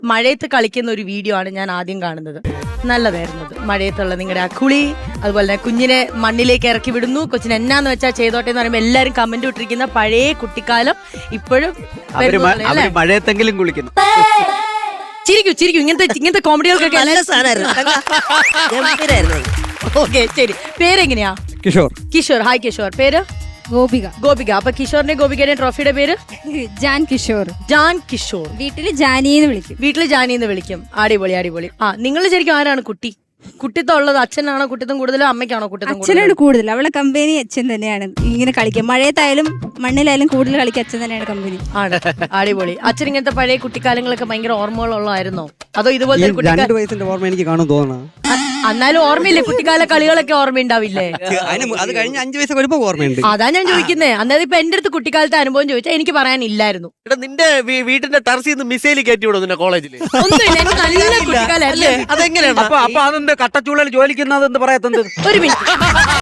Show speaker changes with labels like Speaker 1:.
Speaker 1: മഴയത്ത് കളിക്കുന്ന ഒരു വീഡിയോ ആണ് ഞാൻ ആദ്യം കാണുന്നത്. നല്ലതായിരുന്നത്. മഴയത്തുള്ള നിങ്ങളുടെ ആ കുളി, അതുപോലെ തന്നെ കുഞ്ഞിനെ മണ്ണിലേക്ക് ഇറക്കി വിടുന്നു, കൊച്ചിന് എന്നാന്ന് വെച്ചാൽ ചെയ്തോട്ടെ എന്ന് പറയുമ്പോൾ എല്ലാരും കമന്റ് ഇട്ടിരിക്കുന്ന പഴയ കുട്ടിക്കാലം ഇപ്പോഴും
Speaker 2: മഴയത്തെങ്കിലും കുളിക്കുന്നു.
Speaker 1: ചിരിക്കൂ ചിരിക്കൂ, ഇങ്ങനത്തെ കോമഡികൾക്കൊക്കെ ഓക്കെ. ശരി, പേരെങ്ങനെയാ? കിഷോർ. ഹായ് കിഷോർ. പേര് ഗോപിക. അപ്പൊ കിഷോറിന്റെ ഗോപികയുടെ ട്രോഫിയുടെ പേര്
Speaker 3: ജാൻ കിഷോർ.
Speaker 1: വീട്ടില്
Speaker 3: ജാനിന്ന്
Speaker 1: വിളിക്കും. അടിപൊളി. ആ, നിങ്ങൾ ശരിക്കും ആരാണ് കുട്ടി? കുട്ടിത്തം ഉള്ളത് അച്ഛനാണോ കുട്ടിത്തം കൂടുതലോ അമ്മയ്ക്കാണോ കുട്ടിത്തം?
Speaker 3: അച്ഛനാണ് കൂടുതൽ. അവളെ കമ്പനി അച്ഛൻ തന്നെയാണ്. ഇങ്ങനെ കളിക്കുക, മഴയത്തായാലും മണ്ണിലായാലും കൂടുതൽ കളിക്കുക അച്ഛൻ തന്നെയാണ് കമ്പനി.
Speaker 1: ആണ്. അടിപൊളി. അച്ഛൻ ഇങ്ങനത്തെ പഴയ കുട്ടിക്കാലങ്ങളൊക്കെ ഭയങ്കര ഓർമ്മകളുള്ളതായിരുന്നോ? അതോ ഇതുപോലെ
Speaker 4: 2 വയസ്സിന്റെ ഓർമ്മ എനിക്ക് കാണും തോന്നണം.
Speaker 1: എന്നാലും ഓർമ്മയില്ലേ? കുട്ടിക്കാല കളികളൊക്കെ ഓർമ്മയുണ്ടാവില്ലേ?
Speaker 4: അത് കഴിഞ്ഞ 5 വയസ്സ് വരുമ്പോ ഓർമ്മയുണ്ട്.
Speaker 1: അതാ ഞാൻ ചോദിക്കുന്നേ. അതായത് ഇപ്പൊ എന്റെ അടുത്ത് കുട്ടിക്കാലത്തെ അനുഭവം ചോദിച്ചാൽ എനിക്ക് പറയാനില്ലായിരുന്നു.
Speaker 2: നിന്റെ വീട്ടിന്റെ ടെറസിൽ നിന്ന് മിസൈൽ കയറ്റി വിടും നിന്റെ കോളേജിൽ?
Speaker 1: ഒന്നുമില്ല, എനിക്ക് നല്ല കുട്ടിക്കാലല്ലേ.
Speaker 2: അതെങ്ങനെയാണ്?
Speaker 4: അപ്പൊ അതെന്ത് കട്ടച്ചൂളൽ ജോലിക്കുന്നത് എന്ന് പറയാത്തത്?
Speaker 1: ഒരു മിനിറ്റ്.